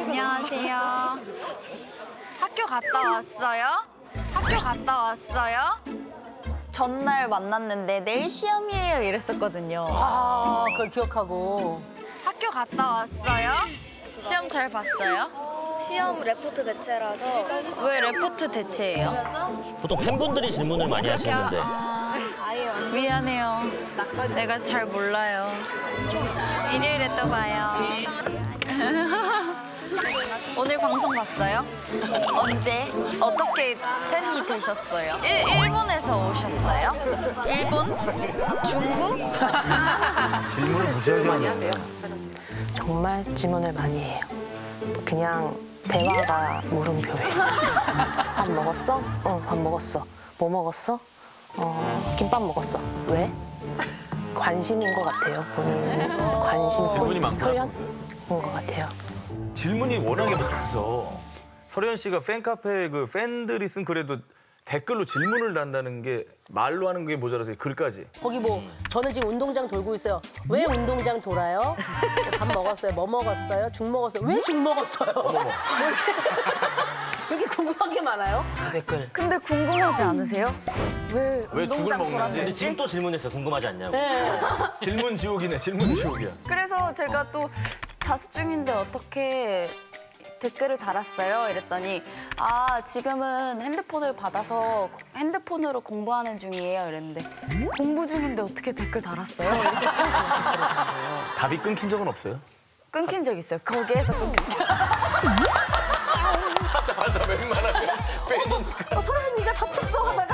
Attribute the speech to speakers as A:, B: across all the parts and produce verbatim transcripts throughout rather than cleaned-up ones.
A: 안녕하세요. 학교 갔다 왔어요? 학교 갔다 왔어요? 전날 만났는데 내일 시험이에요 이랬었거든요.
B: 아, 그걸 기억하고.
A: 학교 갔다 왔어요? 시험 잘 봤어요?
C: 시험 레포트 대체라서
A: 왜 레포트 대체예요?
D: 보통 팬분들이 질문을 많이 하시는데
A: 미안해요. 내가 잘 몰라요. 일요일에 또 봐요. 오늘 방송 봤어요? 언제? 어떻게 팬이 되셨어요? 일, 일본에서 오셨어요? 일본? 중국?
E: 질문을 무시하게 하네.
B: 정말 질문을 많이 해요. 그냥 대화가 물음표예요. 밥 먹었어? 응, 밥 먹었어. 뭐 먹었어? 어, 김밥 먹었어. 왜? 관심인 것 같아요. 본인 관심
E: 질문이 많구나.
B: 표현인 것 같아요.
E: 질문이 워낙에 많아서 설현 씨가 팬카페 그 팬들이 쓴 글에도 댓글로 질문을 단다는 게 말로 하는 게 모자라서 글까지.
B: 거기 뭐 저는 지금 운동장 돌고 있어요. 왜 운동장 돌아요? 밥 먹었어요. 뭐 먹었어요? 죽 먹었어요. 왜 죽 먹었어요? 뭐 이렇게, 이렇게 궁금한 게 많아요.
F: 댓글.
A: 근데 궁금하지 않으세요? 왜
E: 왜 죽을
A: 운동장
E: 먹는지.
D: 근데
A: 돌았는지?
D: 지금 또 질문했어요. 궁금하지 않냐고.
B: 네.
E: 질문 지옥이네. 질문 지옥이야.
A: 그래서 제가 또 자습 중인데 어떻게 댓글을 달았어요? 이랬더니 아 지금은 핸드폰을 받아서 핸드폰으로 공부하는 중이에요 이랬는데 공부 중인데 어떻게 댓글 달았어요? 이렇게
E: 답이 끊긴 적은 없어요?
A: 끊긴 적 있어요. 거기에서 끊긴 적.
E: 맞아, 웬만하면 팬이니까.
A: 어, 서른 네가 답했어 하다가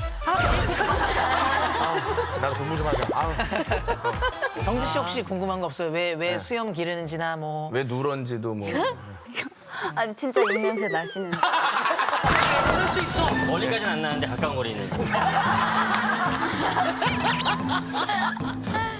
E: 나도 공부 좀 하자. 아우,
F: 정주 씨 혹시 궁금한 거 없어요? 왜, 왜 수염 기르는지나 뭐.
E: 왜 누런지도 뭐.
A: 아니 진짜 입냄새 나시는지.
F: 그럴 수 있어.
D: 멀리까지는 안 나는데 가까운 거리 있는.